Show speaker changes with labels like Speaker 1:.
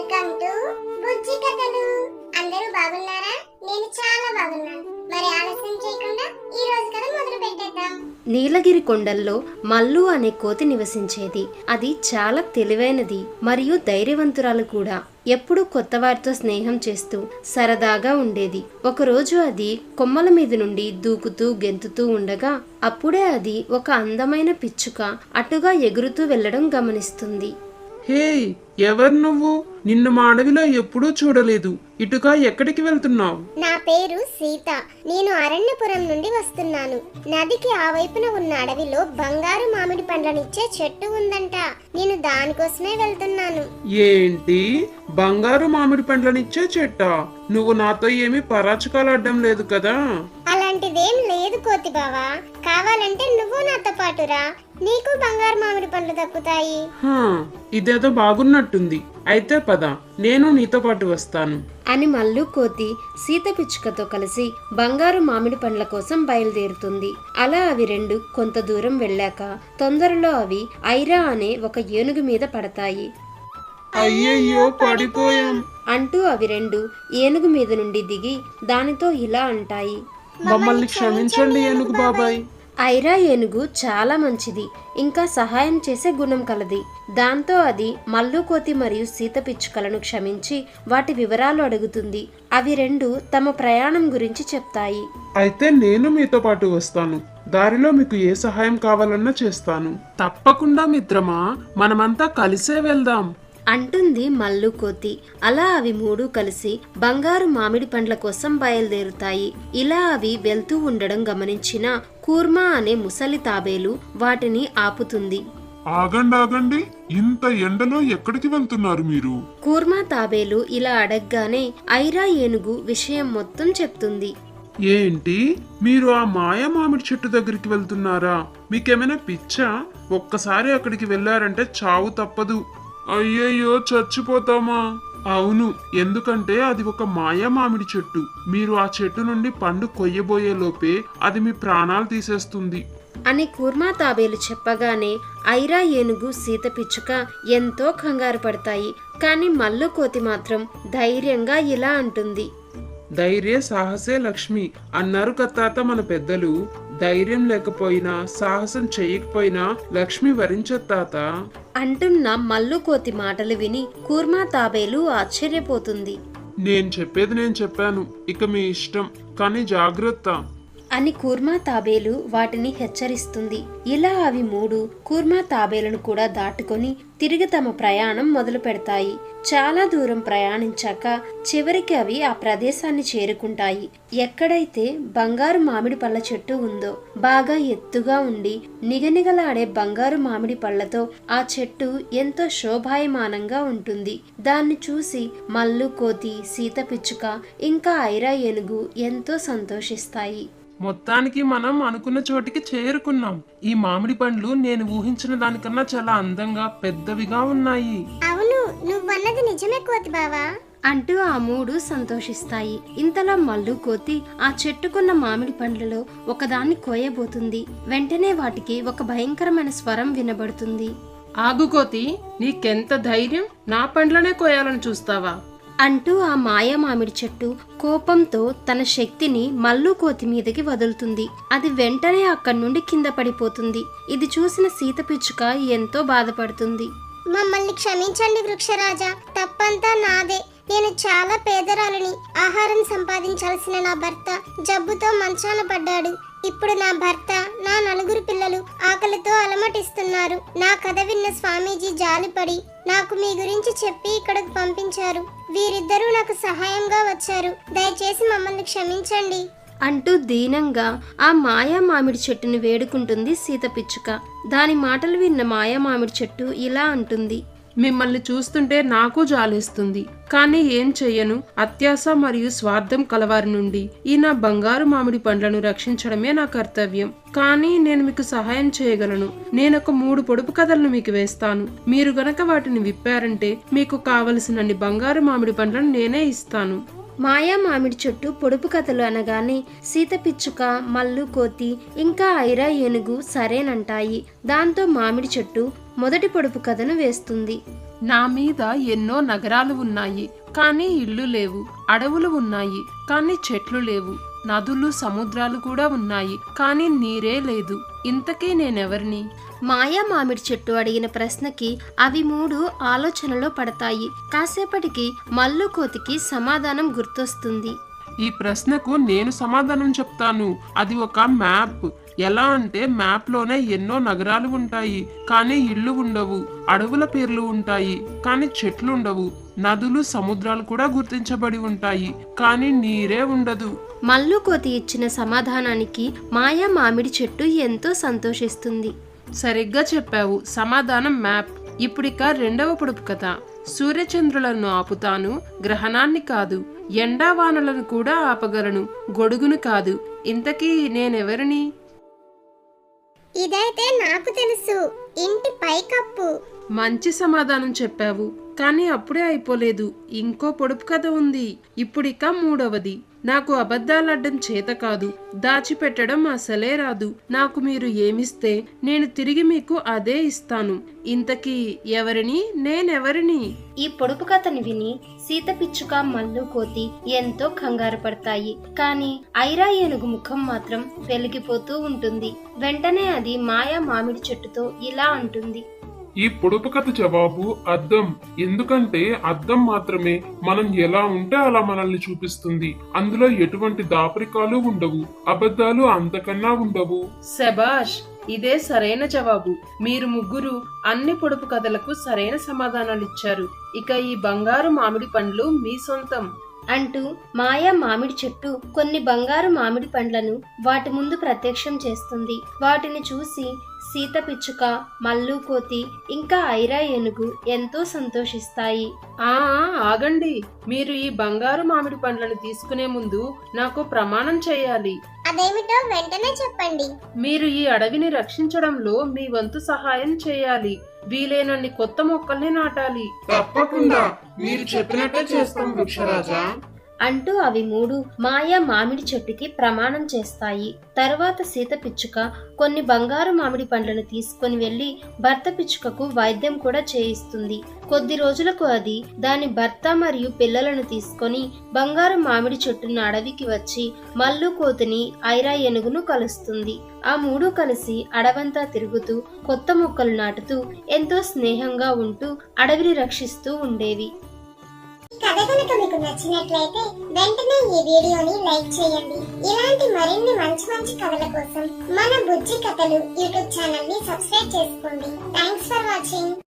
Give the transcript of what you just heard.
Speaker 1: Welcome to బుజ్జి కథలు. అందరూ బాగున్నారా? నేను చాలా బాగున్నాను. మరి ఆలస్యం చేయకుండా ఈ రోజు కథ మొదలు పెట్టేద్దాం.
Speaker 2: నీలగిరి కొండల్లో మల్లు అనే కోతి నివసించేది. అది చాలా తెలివైనది మరియు ధైర్యవంతురాలు కూడా. ఎప్పుడూ కొత్త వారితో స్నేహం చేస్తూ సరదాగా ఉండేది. ఒకరోజు అది కొమ్మల మీద నుండి దూకుతూ గెంతుతూ ఉండగా అప్పుడే అది ఒక అందమైన పిచ్చుక అటుగా ఎగురుతూ వెళ్లడం గమనిస్తుంది.
Speaker 3: హే, ఎవరు నువ్వు? నిన్ను మా అడవిలో ఎప్పుడూ చూడలేదు. ఇటుగా ఎక్కడికి వెళ్తున్నావు?
Speaker 1: నా పేరు సీత. నేను అరణ్యపురం నుండి వస్తున్నాను. నదికి ఆ వైపున ఉన్న అడవిలో బంగారు మామిడి పండ్లనిచ్చే చెట్టు ఉందంట. నేను దానికోసమే వెళ్తున్నాను.
Speaker 3: ఏంటి, బంగారు మామిడి పండ్లనిచ్చే చెట్టా? నువ్వు నాతో ఏమీ పరాచకాలు అడ్డం లేదు కదా?
Speaker 1: అలాంటిదేం లేదు కోతి బావా. కావాలంటే నువ్వు నాతో పాటురా, నీకు బంగారు మామిడి పండ్లు దక్కుతాయి.
Speaker 3: ఇదేదో బాగున్నట్టుంది. అయితే పద, నేను నీతో పాటు వస్తాను
Speaker 2: అని మల్లు కోతి సీత పిచ్చుకతో కలిసి బంగారు మామిడి పండ్ల కోసం బయలుదేరుతుంది. అలా అవి రెండు కొంత దూరం వెళ్ళాక తొందరలో అవి ఐరా అనే ఒక ఏనుగు మీద పడతాయి.
Speaker 3: అయ్యయ్యో, పడిపోయాం
Speaker 2: అంటూ అవి రెండు ఏనుగు మీద నుండి దిగి దానితో ఇలా అంటాయి.
Speaker 3: మమ్మల్ని క్షమించండి ఏనుగు బాబాయ్.
Speaker 2: ఐరా ఏనుగు చాలా మంచిది, ఇంకా సహాయం చేసే గుణం కలది. దాంతో అది మల్లు కోతి మరియు సీత పిచ్చుకలను క్షమించి వాటి వివరాలు అడుగుతుంది. అవి రెండు తమ ప్రయాణం గురించి చెప్తాయి.
Speaker 3: అయితే నేను మీతో పాటు వస్తాను. దారిలో మీకు ఏ సహాయం కావాలన్నా చేస్తాను. తప్పకుండా మిత్రమా, మనమంతా కలిసే వెళ్దాం
Speaker 2: అంటుంది మల్లు కోతి. అలా అవి మూడు కలిసి బంగారు మామిడి పండ్ల కోసం బయలుదేరుతాయి. ఇలా అవి వెళ్తూ ఉండడం గమనించిన కూర్మా అనే ముసలి తాబేలు వాటిని ఆపుతుంది.
Speaker 4: ఆగండి, ఇంత ఎండలో ఎక్కడికి వెళ్తున్నారు మీరు?
Speaker 2: కూర్మా తాబేలు ఇలా అడగగానే ఐరా ఏనుగు విషయం మొత్తం చెప్తుంది.
Speaker 3: ఏంటి, మీరు ఆ మాయా మామిడి చెట్టు దగ్గరికి వెళ్తున్నారా? మీకేమైనా పిచ్చా? ఒక్కసారి అక్కడికి వెళ్ళారంటే చావు తప్పదు. అయ్యయ్యో, చచ్చిపోతామా? అవును, ఎందుకంటే అది ఒక మాయా మామిడి చెట్టు. మీరు ఆ చెట్టు నుండి పండు కొయ్యబోయే లోపే అది మీ ప్రాణాలు తీసేస్తుంది
Speaker 2: అని కూర్మా తాబేలు చెప్పగానే ఐరా ఏనుగు సీత పిచ్చుక ఎంతో కంగారు పడతాయి. కానీ మల్లు కోతి మాత్రం ధైర్యంగా ఇలా అంటుంది.
Speaker 3: ధైర్య సాహసే లక్ష్మి అన్నారు కత్తాత మన పెద్దలు. ధైర్యం లేకపోయినా సాహసం చెయ్యకపోయినా లక్ష్మి వరించత్తాత
Speaker 2: అంటున్న మల్లు కోతి మాటలు విని కూర్మా తాబేలు ఆశ్చర్యపోతుంది.
Speaker 3: నేను చెప్పేది నేను చెప్పాను, ఇక మీ ఇష్టం, కానీ జాగ్రత్త
Speaker 2: అని కూర్మా తాబేలు వాటిని హెచ్చరిస్తుంది. ఇలా అవి మూడు కూర్మా తాబేలను కూడా దాటుకొని తిరిగి తమ ప్రయాణం మొదలు పెడతాయి. చాలా దూరం ప్రయాణించాక చివరికి అవి ఆ ప్రదేశాన్ని చేరుకుంటాయి. ఎక్కడైతే బంగారు మామిడి పళ్ళ చెట్టు ఉందో, బాగా ఎత్తుగా ఉండి నిగనిగలాడే బంగారు మామిడి పళ్ళతో ఆ చెట్టు ఎంతో శోభాయమానంగా ఉంటుంది. దాన్ని చూసి మల్లు కోతి, సీత పిచ్చుక ఇంకా ఐరా ఏనుగు ఎంతో సంతోషిస్తాయి.
Speaker 3: మొత్తానికి మనం అనుకున్న చోటికి చేరుకున్నాం. ఈ మామిడి పండ్లు నేను ఊహించిన దానికన్నా చాలా అందంగా పెద్దవిగా ఉన్నాయి.
Speaker 1: అవును, నువ్వన్నది నిజమే కోతి బావా
Speaker 2: అంటూ ఆ మూడు సంతోషిస్తాయి. ఇంతలో మల్లు కోతి ఆ చెట్టుకున్న మామిడి పండ్లలో ఒకదాన్ని కోయబోతుంది. వెంటనే వాటికి ఒక భయంకరమైన స్వరం వినబడుతుంది.
Speaker 3: ఆగు కోతి, నీకెంత ధైర్యం? నా పండ్లనే కోయాలని చూస్తావా?
Speaker 2: అంటూ ఆ మాయా మామిడి చెట్టు కోపంతో తన శక్తిని మల్లు కోతి మీదకి వదులుతుంది. అది వెంటనే అక్కడి నుండి కింద పడిపోతుంది. ఇది చూసిన సీత పిచ్చుక ఎంతో బాధపడుతుంది.
Speaker 1: మమ్మల్ని క్షమించండి వృక్షరాజా, తప్పంతా నాదే. నేను చాలా పేదరాలిని. ఆహారం సంపాదించాల్సిన నా భర్త జబ్బుతో మంచాన పడ్డాడు. ఇప్పుడు నా భర్త, నా నలుగురు పిల్లలు ఆకలితో అలమటిస్తున్నారు. నా కథ విన్న స్వామీజీ జాలిపడి నాకు మీ గురించి చెప్పి ఇక్కడికి పంపించారు. వీరిద్దరూ నాకు సహాయంగా వచ్చారు. దయచేసి మమ్మల్ని క్షమించండి
Speaker 2: అంటూ దీనంగా ఆ మాయా మామిడి చెట్టును వేడుకుంటుంది సీత పిచ్చుక. దాని మాటలు విన్న మాయా మామిడి చెట్టు ఇలా అంటుంది.
Speaker 3: మిమ్మల్ని చూస్తుంటే నాకు జాలేస్తుంది, కానీ ఏం చెయ్యను. అత్యాశ మరియు స్వార్థం కలవారి నుండి ఈ నా బంగారు మామిడి పండ్లను రక్షించడమే నా కర్తవ్యం. కానీ నేను మీకు సహాయం చేయగలను. నేనొక 3 పొడుపు కథలను మీకు వేస్తాను. మీరు గనక వాటిని విప్పారంటే మీకు కావలసినన్ని బంగారు మామిడి పండ్లను నేనే ఇస్తాను.
Speaker 2: మాయా మామిడి చెట్టు పొడుపు కథలు అనగానే సీత పిచ్చుక, మల్లు కోతి ఇంకా ఐరా ఏనుగు సరేనంటాయి. దాంతో మామిడి చెట్టు మొదటి పొడుపు కథను వేస్తుంది.
Speaker 3: నా మీద ఎన్నో నగరాలు ఉన్నాయి, కానీ ఇళ్ళు లేవు. అడవులు ఉన్నాయి, కానీ చెట్లు లేవు. నదులు సముద్రాలు కూడా ఉన్నాయి, కానీ నీరే లేదు. ఇంతకీ నేనెవరిని?
Speaker 2: మాయా మామిడి చెట్టు అడిగిన ప్రశ్నకి అవి మూడు ఆలోచనలో పడతాయి. కాసేపటికి మల్లు కోతికి సమాధానం గుర్తొస్తుంది.
Speaker 3: ఈ ప్రశ్నకు నేను సమాధానం చెప్తాను. అది ఒక మ్యాప్. ఎలా అంటే మ్యాప్ లోనే ఎన్నో నగరాలు ఉంటాయి, కానీ ఇళ్ళు ఉండవు. అడవుల పేర్లు ఉంటాయి, కానీ చెట్లు ఉండవు. నదులు సముద్రాలు కూడా గుర్తించబడి ఉంటాయి, కానీ నీరే ఉండదు.
Speaker 2: మల్లు కోతి ఇచ్చిన సమాధానానికి మాయా మామిడి చెట్టు ఎంతో సంతోషిస్తుంది.
Speaker 3: సరిగ్గా చెప్పావు. సమాధానం మ్యాప్. ఇప్పుడిక రెండవ పొడుపు కథ. సూర్యచంద్రులను ఆపుతాను, గ్రహణాన్ని కాదు. ఎండావానలను కూడా ఆపగలను, గొడుగును కాదు. ఇంతకీ నేనెవరిని?
Speaker 1: ఇదైతే నాకు తెలుసు, ఇంటి పైకప్పు.
Speaker 3: మంచి సమాధానం చెప్పావు, కానీ అప్పుడే అయిపోలేదు. ఇంకో పొడుపు కథ ఉంది. ఇప్పుడిక మూడవది. నాకు అబద్ధాలాడడం చేత కాదు, దాచిపెట్టడం అసలే రాదు. నాకు మీరు ఏమిస్తే నేను తిరిగి మీకు అదే ఇస్తాను. ఇంతకీ ఎవరిని? నేనెవరిని?
Speaker 2: ఈ పొడుపు కథని విని సీత పిచ్చుక మల్లు కోతి ఎంతో కంగారు పడతాయి. కానీ ఐరా ఏనుగు ముఖం మాత్రం వెలిగిపోతూ ఉంటుంది. వెంటనే అది మాయా మామిడి చెట్టుతో ఇలా అంటుంది.
Speaker 4: ఈ పొడుపు కథ జవాబు అద్దం. ఎందుకంటే అద్దం మాత్రమే మనం ఎలా ఉంటే అలా మనల్ని చూపిస్తుంది. అందులో ఎటువంటి దాపరికాలు ఉండవు, అబద్ధాలు అంతకన్నా ఉండవు.
Speaker 3: శబాష్, ఇదే సరైన జవాబు. మీరు ముగ్గురు అన్ని పొడుపు కథలకు సరైన సమాధానాలిచ్చారు. ఇక ఈ బంగారు మామిడి పండ్లు మీ సొంతం
Speaker 2: అంటూ మాయా మామిడి చెట్టు కొన్ని బంగారు మామిడి పండ్లను వాటి ముందు ప్రత్యక్షం చేస్తుంది. వాటిని చూసి సీత పిచ్చుక, మల్లు కోతి ఇంకా ఐరా ఏనుగు ఎంతో సంతోషిస్తాయి.
Speaker 3: ఆగండి. మీరు ఈ బంగారు మామిడి పండ్లను తీసుకునే ముందు నాకు ప్రమాణం చేయాలి.
Speaker 1: అదేమిటో వెంటనే చెప్పండి.
Speaker 3: మీరు ఈ అడవిని రక్షించడంలో మీ వంతు సహాయం చేయాలి. వీలైనన్ని కొత్త మొక్కల్ని నాటాలి. తప్పకుండా మీరు చెప్పినట్టే చేస్తాం వృక్షరాజా
Speaker 2: అంటూ అవి మూడు మాయా మామిడి చెట్టుకి ప్రమాణం చేస్తాయి. తర్వాత సీత పిచ్చుక కొన్ని బంగారు మామిడి పండ్లను తీసుకుని వెళ్లి భర్త పిచ్చుకకు వైద్యం కూడా చేయిస్తుంది. కొద్ది రోజులకు అది దాని భర్త మరియు పిల్లలను తీసుకొని బంగారు మామిడి చెట్టున్న అడవికి వచ్చి మల్లు కోతిని, ఐరా ఏనుగును కలుస్తుంది. ఆ మూడు కలిసి అడవంతా తిరుగుతూ కొత్త మొక్కలు నాటుతూ ఎంతో స్నేహంగా ఉంటూ అడవిని రక్షిస్తూ ఉండేవి.
Speaker 1: కథ కనుక మీకు నచ్చినట్లయితే వెంటనే ఈ వీడియోని లైక్ చేయండి. ఇలాంటి మరిన్ని మంచి మంచి కథల కోసం మన బుజ్జి కథలు యూట్యూబ్ ఛానల్ ని సబ్స్క్రైబ్ చేసుకోండి. Thanks for watching.